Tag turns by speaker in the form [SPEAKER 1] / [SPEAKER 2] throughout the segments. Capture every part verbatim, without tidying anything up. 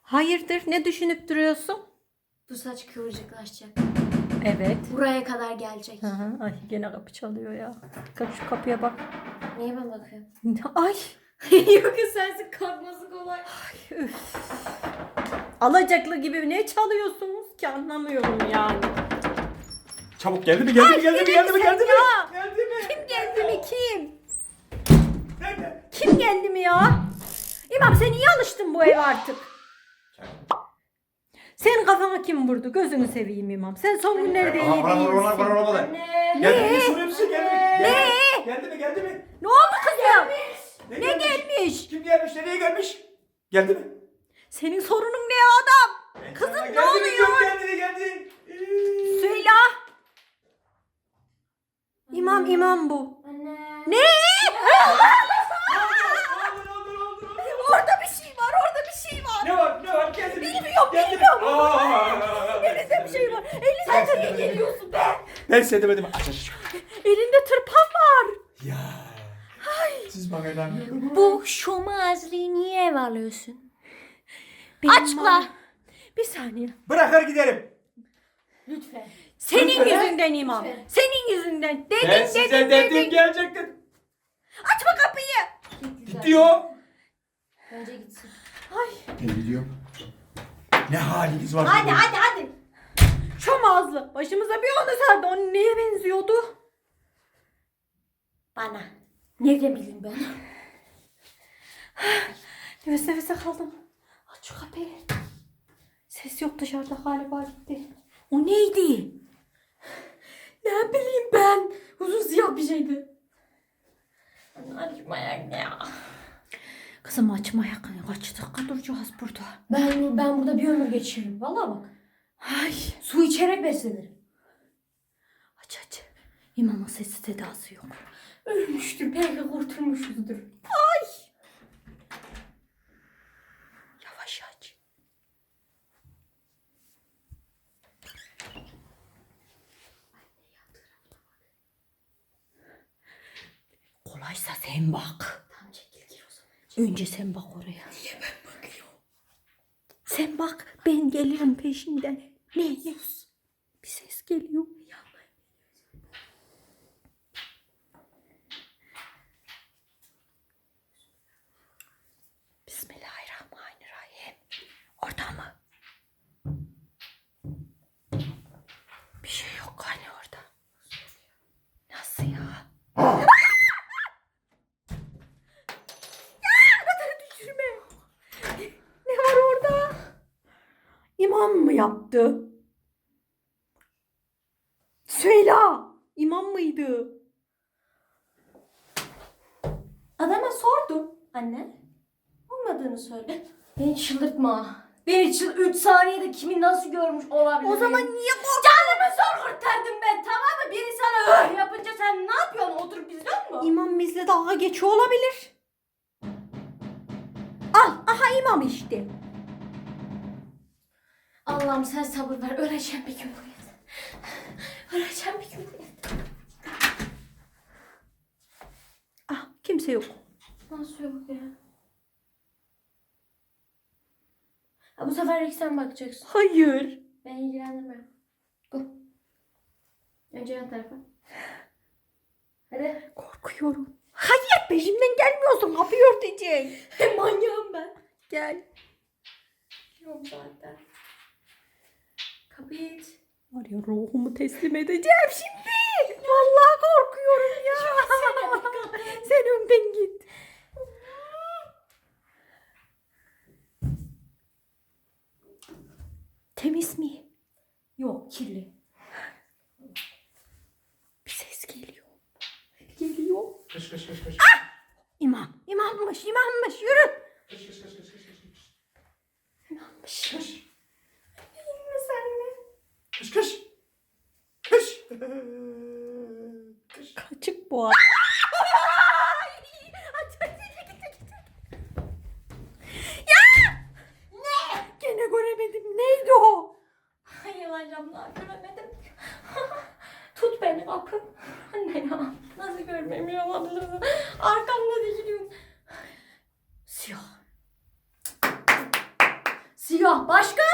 [SPEAKER 1] Hayırdır, ne düşünüp duruyorsun?
[SPEAKER 2] Bu saç kıvırcıklaşacak.
[SPEAKER 1] Evet.
[SPEAKER 2] Buraya kadar gelecek.
[SPEAKER 1] Hı hı. Ay gene kapı çalıyor ya. Dikkat şu kapıya bak.
[SPEAKER 2] Niye ben bakıyorum?
[SPEAKER 1] Ay.
[SPEAKER 2] Yok ya sensin, kalkması kolay.
[SPEAKER 1] Ay üf. Alacaklı gibi ne çalıyorsunuz ki anlamıyorum yani.
[SPEAKER 3] Çabuk geldi mi geldi mi geldi mi geldi mi
[SPEAKER 1] sen
[SPEAKER 3] geldi mi?
[SPEAKER 1] ya.
[SPEAKER 3] Geldi mi?
[SPEAKER 1] Kim geldi mi kim?
[SPEAKER 3] Nerede?
[SPEAKER 1] Kim geldi mi ya? İmam sen iyi alıştın bu eve artık. Senin kafana kim vurdu? Gözünü seveyim İmam. Sen son günlerde iyi
[SPEAKER 3] Aha, bana vur, bana, bana,
[SPEAKER 1] değilsin.
[SPEAKER 3] bana, bana.
[SPEAKER 2] Anne.
[SPEAKER 3] Geldi mi? Soruyor musun? Geldi mi? Geldi mi?
[SPEAKER 1] Ne?
[SPEAKER 3] Geldi mi? Geldi mi?
[SPEAKER 1] Ne oldu kızım?
[SPEAKER 3] Ne,
[SPEAKER 1] Ne gelmiş?
[SPEAKER 3] Kim gelmiş? Nereye gelmiş? Geldi mi?
[SPEAKER 1] Senin sorunun ne adam?
[SPEAKER 3] Ben
[SPEAKER 1] Kızım
[SPEAKER 3] sana
[SPEAKER 1] ne
[SPEAKER 3] geldi mi
[SPEAKER 1] oluyor?
[SPEAKER 3] diyorum, Geldi mi? Geldi. Ee,
[SPEAKER 1] Söyle. İmam imam bu.
[SPEAKER 2] Anne.
[SPEAKER 1] Ne?
[SPEAKER 3] Ne oldu? Ne oldu? Ne oldu? Ne oldu?
[SPEAKER 1] Orada bir şey var, orada bir şey var.
[SPEAKER 3] Ne var? Ne var? Geldi mi?
[SPEAKER 1] Bilmiyorum,
[SPEAKER 3] Geldi mi?
[SPEAKER 1] bilmiyorum.
[SPEAKER 3] Aa!
[SPEAKER 1] Elinizde bir şey var. Elinizde tabii geliyorsun be.
[SPEAKER 3] Ben size demedim. Aç aç.
[SPEAKER 1] Elinde tırpan var.
[SPEAKER 3] Ya. Siz bana inanmıyorum.
[SPEAKER 2] Bu şomazliği niye ev alıyorsun?
[SPEAKER 1] Benim
[SPEAKER 2] Açıkla.
[SPEAKER 1] var. Bir saniye.
[SPEAKER 3] Bırakır giderim.
[SPEAKER 2] Lütfen.
[SPEAKER 1] Senin
[SPEAKER 3] Lütfen.
[SPEAKER 1] yüzünden imam.
[SPEAKER 2] Lütfen.
[SPEAKER 1] Senin yüzünden. Dedin
[SPEAKER 3] Ben
[SPEAKER 1] dedin
[SPEAKER 3] size
[SPEAKER 1] dedin.
[SPEAKER 3] dedim gelecektim.
[SPEAKER 1] Açma kapıyı.
[SPEAKER 3] Gidiyor.
[SPEAKER 2] Bence gitsin.
[SPEAKER 1] Ay.
[SPEAKER 3] Ne gidiyorum? Ne haliniz var?
[SPEAKER 2] Hadi
[SPEAKER 3] burada?
[SPEAKER 2] hadi hadi.
[SPEAKER 1] Şom ağızlı. Başımıza bir onu sardı. O neye benziyordu?
[SPEAKER 2] Bana. Nereden bileyim ben?
[SPEAKER 1] Nefes nefese kaldım. Aç şu kapıyı. Ses yok dışarıda galiba gitti. O neydi? Ne bileyim ben. Uzun siyah bir şeydi.
[SPEAKER 2] Açmayak ya.
[SPEAKER 1] Kızım açma yakın. Kaç dakika duracağız burada?
[SPEAKER 2] Ben, ben burada bir ömür geçiririm. Vallahi bak.
[SPEAKER 1] Ay.
[SPEAKER 2] Su içerek beslenirim.
[SPEAKER 1] Aç aç. İmamın sesi sedası yok.
[SPEAKER 2] Ölmüştür. Belki kurtulmuşuzdur.
[SPEAKER 1] Ay. Yavaş aç. Kolaysa sen bak.
[SPEAKER 2] Tamam çekil gir o zaman.
[SPEAKER 1] Önce sen bak oraya. Niye ben bakıyorum? Sen bak ben gelirim peşinden. Ne? Ne? Bir ses geliyor. Bismillahirrahmanirrahim. Orada mı? Bir şey yok hani orada. Nasıl ya? Düşürme. Ne var orada? İmam mı yaptı? Söyle. İmam mıydı?
[SPEAKER 2] Adama sordum. Anne. Olmadığını söyle. Beni çıldırtma. Beni çıl... Üç saniyede kimin nasıl görmüş olabilir?
[SPEAKER 1] O zaman niye korktun?
[SPEAKER 2] Canımı zor kurtardım ben, tamam mı? Biri sana öh yapınca sen ne yapıyorsun? Oturup izliyor musun?
[SPEAKER 1] İmam bizle dalga geçiyor olabilir. Al. Aha imam işte.
[SPEAKER 2] Allah'ım sen sabır ver. Öleceğim bir gün bu evde. Öleceğim bir gün bu evde.
[SPEAKER 1] Ah kimse yok.
[SPEAKER 2] Nasıl yok ya? Ha, bu sefer ilk sen bakacaksın.
[SPEAKER 1] Hayır.
[SPEAKER 2] Ben ilgilendirmem. Go. Önce yan tarafa. Hadi.
[SPEAKER 1] Korkuyorum. Hayır peşimden gelmiyorsun. Kapıyı örteceksin.
[SPEAKER 2] Manyağım ben.
[SPEAKER 1] Gel.
[SPEAKER 2] Yok zaten. Kapıyı it.
[SPEAKER 1] Var ya ruhumu teslim edeceğim şimdi. Vallahi korkuyorum ya. Sen önden git. Temiz mi?
[SPEAKER 2] Yok kirli.
[SPEAKER 1] Bir ses geliyor. Geliyor.
[SPEAKER 3] Kış kış kış kış.
[SPEAKER 1] İmam. İmammış. İmammış. Yürü.
[SPEAKER 3] Kış kış kış kış kış kış.
[SPEAKER 1] İmammış.
[SPEAKER 3] Kış.
[SPEAKER 2] İyi mi sen mi?
[SPEAKER 3] Kış kış. Kış. Kış.
[SPEAKER 1] Kaçık bu adam. Ya! Ne? Gene göremedim. Neydi o?
[SPEAKER 2] Hayır lan camlar göremedim. Tut beni kapı. Anne ya. Nasıl görmemiyor olabilirsin? Arkamda dikiliyorum.
[SPEAKER 1] Siyah.
[SPEAKER 2] Siyah. Başka?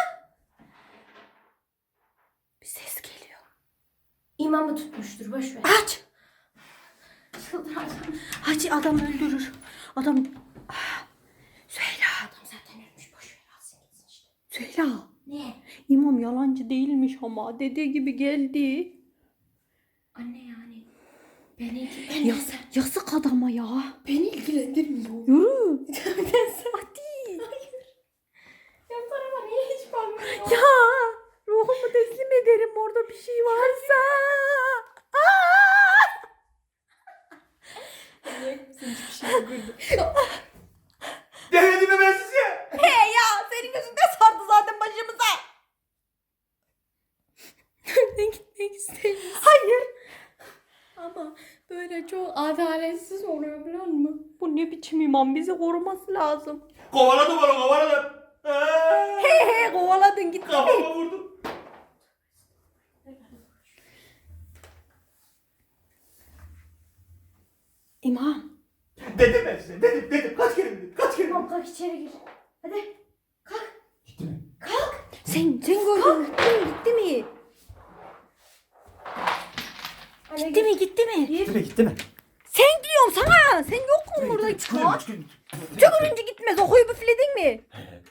[SPEAKER 1] Bir ses geliyor.
[SPEAKER 2] İmamı tutmuştur. Boş ver.
[SPEAKER 1] Aç.
[SPEAKER 2] Çıldıracağım.
[SPEAKER 1] Hacı adam öldürür. Adam... Ah, Süheyla.
[SPEAKER 2] Adam zaten ölmüş. Boş ver. Alsın gitsin işte.
[SPEAKER 1] Süheyla.
[SPEAKER 2] Ne?
[SPEAKER 1] İmam yalancı değilmiş ama dediği gibi geldi.
[SPEAKER 2] Anne yani. Beni
[SPEAKER 1] Ya,
[SPEAKER 2] ilgilendirmez.
[SPEAKER 1] yazık adama ya.
[SPEAKER 2] Beni ilgilendirmiyor.
[SPEAKER 1] Yürü.
[SPEAKER 2] Hadi. Ya tarafa niye hiç bakmıyor?
[SPEAKER 1] Ya ruhumu teslim ederim orada bir şey varsa.
[SPEAKER 2] Hiçbir şey yok.
[SPEAKER 3] Demedim mi ben size?
[SPEAKER 1] He ya senin yüzünden sardı zaten başımıza.
[SPEAKER 2] Ben gitmek istemiyorum.
[SPEAKER 1] Hayır.
[SPEAKER 2] Ama böyle çok adaletsiz oluyor biliyor musun?
[SPEAKER 1] Bu ne biçim imam, bizi koruması lazım.
[SPEAKER 3] Kovaladım onu kovaladım. Aa,
[SPEAKER 1] He he kovaladın gitti.
[SPEAKER 3] Kafama vurdum.
[SPEAKER 1] İmam.
[SPEAKER 3] Dedim ben size dedim dedim. Kaç kere dedim. Kaç kere dedim.
[SPEAKER 2] Tamam kalk içeri gir. Hadi.
[SPEAKER 3] Gitti mi?
[SPEAKER 1] Sen, sen gördün gitti mi gitti mi?
[SPEAKER 2] Anne
[SPEAKER 1] Gitti mi gitti mi?
[SPEAKER 3] Gitti mi gitti mi?
[SPEAKER 1] Sen diyorum sana. Sen yok mu burada hiç? Tükürünce gitmez. O huyu büfledin mi?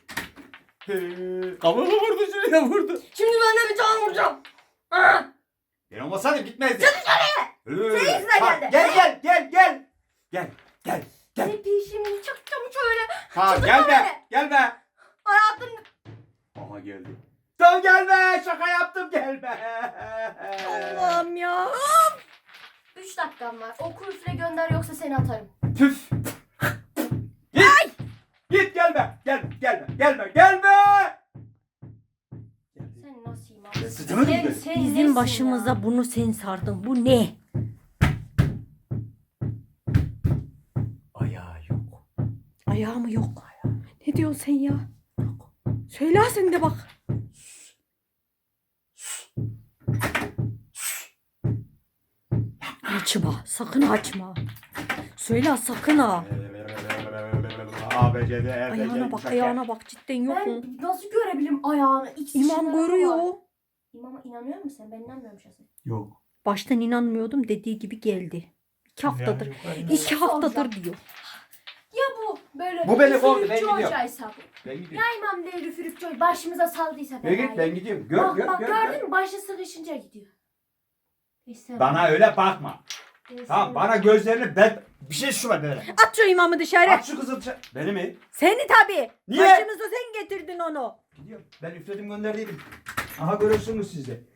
[SPEAKER 3] Kafama vurdu şuraya vurdu.
[SPEAKER 2] Şimdi ben de bir tane vuracağım. Aa!
[SPEAKER 3] Ben olmasaydım gitmezdi. Çık dışarıya.
[SPEAKER 2] Senin yüzünden geldi.
[SPEAKER 3] Gel gel gel gel. Gel gel gel.
[SPEAKER 2] Ne peşimi çıktım şöyle.
[SPEAKER 3] Ha
[SPEAKER 2] Çıldırma
[SPEAKER 3] gelme
[SPEAKER 2] beni.
[SPEAKER 3] gelme.
[SPEAKER 2] Hayatım.
[SPEAKER 3] Aha geldi. Tamam gelme şaka yaptım gelme.
[SPEAKER 1] Allah'ım ya.
[SPEAKER 2] Üç dakikam var. Oku üfle gönder yoksa seni atarım.
[SPEAKER 3] Püf. Git. Git gelme. Gel gelme. Gelme. Gelme.
[SPEAKER 2] Sen nasıl imam?
[SPEAKER 3] Ben sıçamadım
[SPEAKER 2] Sen,
[SPEAKER 3] ki.
[SPEAKER 2] sen nesin
[SPEAKER 1] Bizim başımıza
[SPEAKER 2] ya?
[SPEAKER 1] bunu sen sardın. Bu ne?
[SPEAKER 3] Ayağı yok.
[SPEAKER 1] Ayağı mı yok? Ne diyorsun sen ya? Yok. Söyle sen de bak. Açma. Sakın açma. Söyle sakın ha.
[SPEAKER 3] A, B, C, D, E, F, G,
[SPEAKER 1] Ayağına bak, ayağına bak. Cidden yok mu?
[SPEAKER 2] Ben nasıl görebilirim ayağını? İkisi
[SPEAKER 1] İmam
[SPEAKER 2] şunlara var.
[SPEAKER 1] görüyor.
[SPEAKER 2] İmama inanıyor musun sen? Ben inanmıyorum şahsen.
[SPEAKER 3] Yok.
[SPEAKER 1] Baştan inanmıyordum, dediği gibi geldi. İki haftadır.
[SPEAKER 3] Yani-
[SPEAKER 1] İki haftadır diyor.
[SPEAKER 2] Ya bu böyle
[SPEAKER 3] Bu beni kovdu, ben
[SPEAKER 2] üfürükçü
[SPEAKER 3] gidiyorum.
[SPEAKER 2] hocaysa bu.
[SPEAKER 3] Ben
[SPEAKER 2] Ya
[SPEAKER 3] gidiyorum.
[SPEAKER 2] imam değil üfürükçü hoca başımıza saldıysa
[SPEAKER 3] Ben git
[SPEAKER 2] belayı.
[SPEAKER 3] ben gidiyorum. Gör
[SPEAKER 2] Bak
[SPEAKER 3] gör
[SPEAKER 2] bak
[SPEAKER 3] gör.
[SPEAKER 2] gördün
[SPEAKER 3] gör.
[SPEAKER 2] mü? Başı sıkışınca gidiyor. Neyse.
[SPEAKER 3] Bana öyle bakma.
[SPEAKER 2] Neyse.
[SPEAKER 3] Tamam bana gözlerini ben bir şey şu var böyle.
[SPEAKER 1] At şu imamı dışarı.
[SPEAKER 3] Aç şu kızıl ça- Beni mi?
[SPEAKER 1] Seni tabii.
[SPEAKER 3] Niye?
[SPEAKER 1] Başımıza sen getirdin onu.
[SPEAKER 3] Gidiyorum. Ben üfledim gönderdiydim. Aha görürsünüz siz de.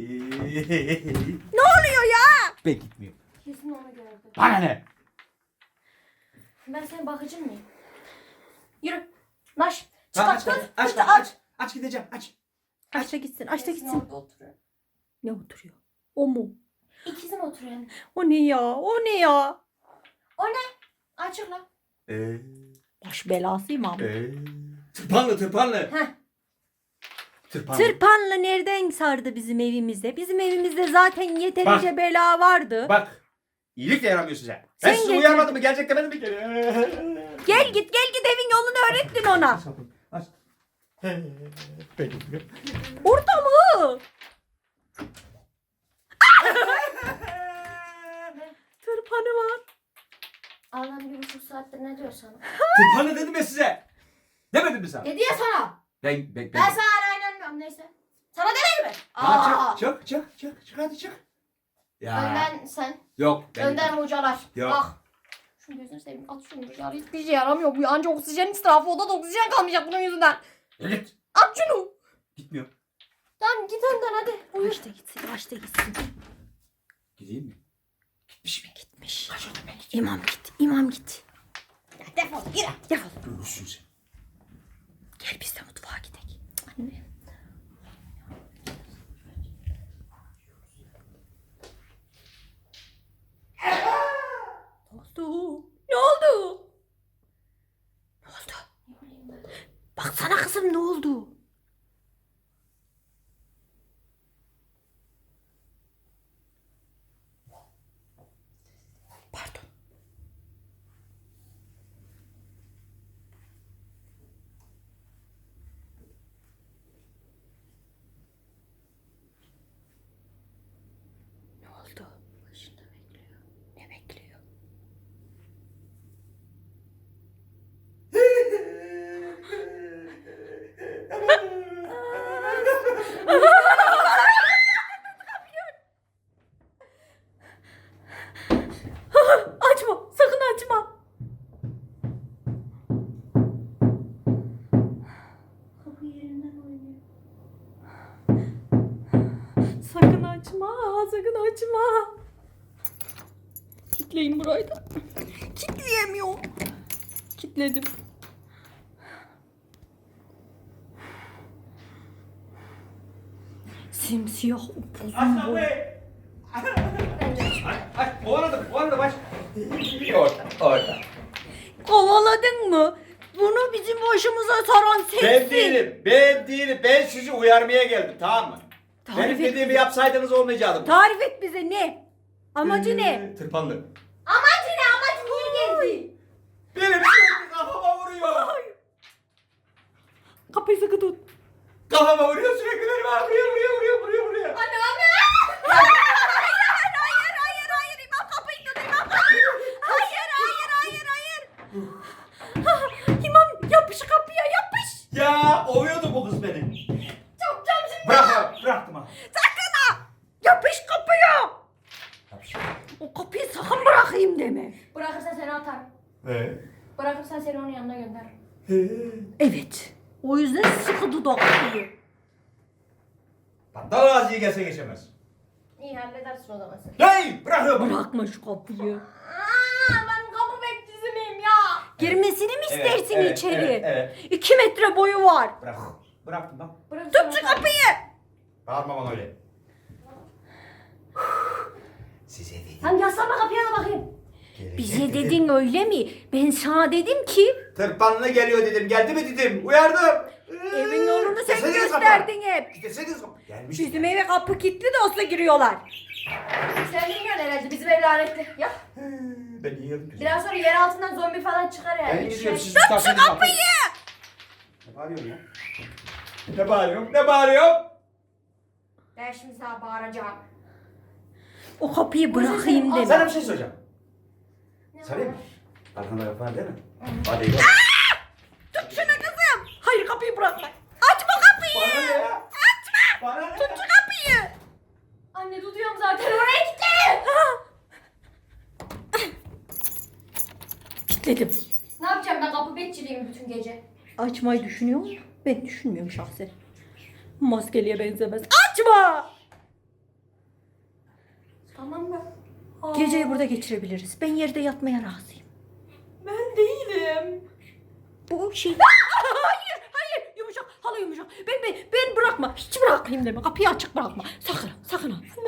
[SPEAKER 1] Ne oluyor ya?
[SPEAKER 3] Ben gitmiyorum.
[SPEAKER 2] Kesin onu gördü.
[SPEAKER 3] Bana ne?
[SPEAKER 2] Ben senin bakıcın mıyım? Yürü. Naş. Çık
[SPEAKER 3] Tamam,
[SPEAKER 2] aç
[SPEAKER 3] aç,
[SPEAKER 2] kız.
[SPEAKER 3] aç,
[SPEAKER 2] Aç
[SPEAKER 3] aç, aç, aç gideceğim aç.
[SPEAKER 1] Aç da gitsin, aç da
[SPEAKER 2] Kesin
[SPEAKER 1] gitsin.
[SPEAKER 2] orada oturuyor.
[SPEAKER 1] Ne oturuyor? O mu?
[SPEAKER 2] İkisi mi oturuyor yani?
[SPEAKER 1] O ne ya? O ne ya?
[SPEAKER 2] O ne? Açıkla.
[SPEAKER 3] Eee.
[SPEAKER 1] Baş belası imam.
[SPEAKER 3] Eee. Tırpanlı tırpanlı.
[SPEAKER 2] Heh.
[SPEAKER 3] Tırpanlı.
[SPEAKER 1] Tırpanla nereden sardı bizim evimizde? Bizim evimizde zaten yeterince
[SPEAKER 3] Bak.
[SPEAKER 1] bela vardı.
[SPEAKER 3] Bak. İyilik de yaramıyor size.
[SPEAKER 1] Sen
[SPEAKER 3] Ben sizi
[SPEAKER 1] getir.
[SPEAKER 3] uyarmadım mı? Gelecek demedim mi?
[SPEAKER 1] Gel git gel git evin yolunu öğrettin ona.
[SPEAKER 3] Aç. Ben gidiyorum.
[SPEAKER 1] Orada mı? Tırpanı var.
[SPEAKER 2] Allah'ım bir buçuk saattir ne diyor sana?
[SPEAKER 3] Tırpanlı dedim ya size. Demedim mi sana?
[SPEAKER 2] Ne diye sana?
[SPEAKER 3] Ben, ben, ben.
[SPEAKER 2] Ben sana hala inanmıyorum neyse. Sana demedim mi?
[SPEAKER 3] Ha, çık, çık, çık, çık, çık, hadi çık. Ya.
[SPEAKER 2] Önden sen.
[SPEAKER 3] Yok. Ben
[SPEAKER 2] Önden hocalar.
[SPEAKER 3] Yok.
[SPEAKER 2] Bak. Şunu gözünü seveyim. At şunu dışarı. Hiçbir şey yaramıyor. Bu anca oksijen israfı. Odada oksijen kalmayacak bunun yüzünden.
[SPEAKER 3] Evet.
[SPEAKER 2] At şunu.
[SPEAKER 3] Gitmiyor.
[SPEAKER 2] Tamam git önden hadi. Buyur.
[SPEAKER 1] Aç da gitsin, aç da gitsin.
[SPEAKER 3] Gideyim mi? Gitmiş mi?
[SPEAKER 1] Gitmiş.
[SPEAKER 3] Kaçırdım ben gideyim.
[SPEAKER 1] İmam git, imam git.
[SPEAKER 2] Ya defol gir.
[SPEAKER 1] Defol.
[SPEAKER 3] Görürsün sen.
[SPEAKER 1] Gel biz de mutfağa gidelim. Anne. Ne oldu? Ne oldu? Ne oldu?
[SPEAKER 2] Ne bileyim ben.
[SPEAKER 1] Baksana kızım ne oldu? Pardon. Açma. Sakın açma.
[SPEAKER 2] Kapı yerinden oynuyor.
[SPEAKER 1] Sakın açma. Sakın açma. Kitleyin burayı da. Kitleyemiyorum. Kitledim. Simsiyah upuzun
[SPEAKER 3] Aç
[SPEAKER 1] bu.
[SPEAKER 3] kapıyı. Aç, aç. Kovaladım, kovaladım aç. Orada, orada.
[SPEAKER 1] Kovaladın mı? Bunu bizim başımıza saran
[SPEAKER 3] Ben
[SPEAKER 1] sensin.
[SPEAKER 3] değilim, ben değilim. Ben sizi uyarmaya geldim, tamam mı?
[SPEAKER 1] Tarif
[SPEAKER 3] Benim
[SPEAKER 1] et
[SPEAKER 3] dediğimi
[SPEAKER 1] bize.
[SPEAKER 3] yapsaydınız olmayacaktım.
[SPEAKER 1] Tarif et bize ne? Amacı ne?
[SPEAKER 3] Ee, Tırpanlı.
[SPEAKER 2] Amacı ne? Amacı niye geldi?
[SPEAKER 3] Benim sürekli kafama vuruyor.
[SPEAKER 1] Kapıyı sıkı tut.
[SPEAKER 3] Kafama vuruyor sürekli benim. Vuruyor, vuruyor, vuruyor, vuruyor, vuruyor.
[SPEAKER 2] Anne anne.
[SPEAKER 1] Hayır hayır hayır hayır İmam kapıyı tut İmam kapıyı. Hayır hayır hayır hayır. İmam yapış kapıya yapış.
[SPEAKER 3] Ya ovuyordu bu kız beni.
[SPEAKER 2] Çokacağım şimdi.
[SPEAKER 3] Bırak, bıraktım ha.
[SPEAKER 1] Sakın ha. Yapış kapıya. O kapıyı sakın bırakayım deme.
[SPEAKER 2] Bırakırsan seni atar.
[SPEAKER 3] Ee?
[SPEAKER 2] Bırakırsan seni onun yanına gönder.
[SPEAKER 1] Evet. O yüzden sıkı tut o kapıyı.
[SPEAKER 3] Battal ağzıyı gelse geçemez.
[SPEAKER 2] İyi halledersin o zaman sen.
[SPEAKER 3] Hey, bırakıyorum.
[SPEAKER 1] Bırakma şu kapıyı.
[SPEAKER 2] Aa, ben kapı bekçisi miyim ya?
[SPEAKER 1] Girmesini mi
[SPEAKER 3] Evet,
[SPEAKER 1] istersin
[SPEAKER 3] evet,
[SPEAKER 1] içeri?
[SPEAKER 3] evet, evet.
[SPEAKER 1] İki metre boyu var.
[SPEAKER 3] Bırak. Bıraktım bak.
[SPEAKER 2] Bırakırsan
[SPEAKER 1] Tut şu
[SPEAKER 2] atar.
[SPEAKER 1] kapıyı.
[SPEAKER 3] Bağırma bana öyle. Size dedim.
[SPEAKER 2] Sen yaslanma kapıya da bakayım.
[SPEAKER 1] Bize dedin öyle mi? Ben sana dedim ki
[SPEAKER 3] Tırpanlı geliyor dedim. Geldi mi dedim. Uyardım.
[SPEAKER 1] evin yolunu sen
[SPEAKER 3] Gitseniz
[SPEAKER 1] gösterdin hep.
[SPEAKER 3] Gitseniz kapı. Gelmiş.
[SPEAKER 1] Bizim eve kapı kilitli de olsa giriyorlar.
[SPEAKER 2] Sen bilmiyorsun herhalde bizim ev lanetli. Ya
[SPEAKER 3] Ben yiyorum.
[SPEAKER 2] biraz sonra yer altından zombi falan çıkar yani.
[SPEAKER 3] Ben
[SPEAKER 2] Şey-
[SPEAKER 3] gidiyorum. Siz
[SPEAKER 1] Tut şu
[SPEAKER 3] tutarsanız
[SPEAKER 1] kapıyı.
[SPEAKER 3] Ne bağırıyorsun ya? Ne bağırıyorum? Ne bağırıyorum?
[SPEAKER 2] Ben şimdi sana bağıracağım.
[SPEAKER 1] O kapıyı
[SPEAKER 2] Bu yüzden
[SPEAKER 1] bırakayım
[SPEAKER 2] sen-
[SPEAKER 1] deme.
[SPEAKER 3] Sana bir şey soracağım.
[SPEAKER 2] Ne
[SPEAKER 3] Sarayım mı?
[SPEAKER 2] var?
[SPEAKER 3] Arkanda kapı var değil mi? Hadi yok.
[SPEAKER 1] Tut şunu kızım. Hayır kapıyı bırakma. Açma kapıyı.
[SPEAKER 3] Bana ne ya?
[SPEAKER 1] Açma.
[SPEAKER 3] Bana ne?
[SPEAKER 1] Tut şu kapıyı.
[SPEAKER 2] Anne tutuyorum zaten oraya gitti.
[SPEAKER 1] Kilitledim.
[SPEAKER 2] Ne yapacağım ben kapı bekçiliyim bütün gece.
[SPEAKER 1] Açmayı düşünüyor musun? Ben düşünmüyorum şahsen. Maskeliye benzemez. Açma.
[SPEAKER 2] Tamam mı?
[SPEAKER 1] Geceyi burada geçirebiliriz. Ben yerde yatmaya razıyım.
[SPEAKER 2] Ben değilim.
[SPEAKER 1] Bu şey... hayır, hayır. Yumuşak, halı yumuşak. Ben, ben, ben bırakma. Hiç bırakayım deme. Kapıyı açık bırakma. Sakın, sakın ha.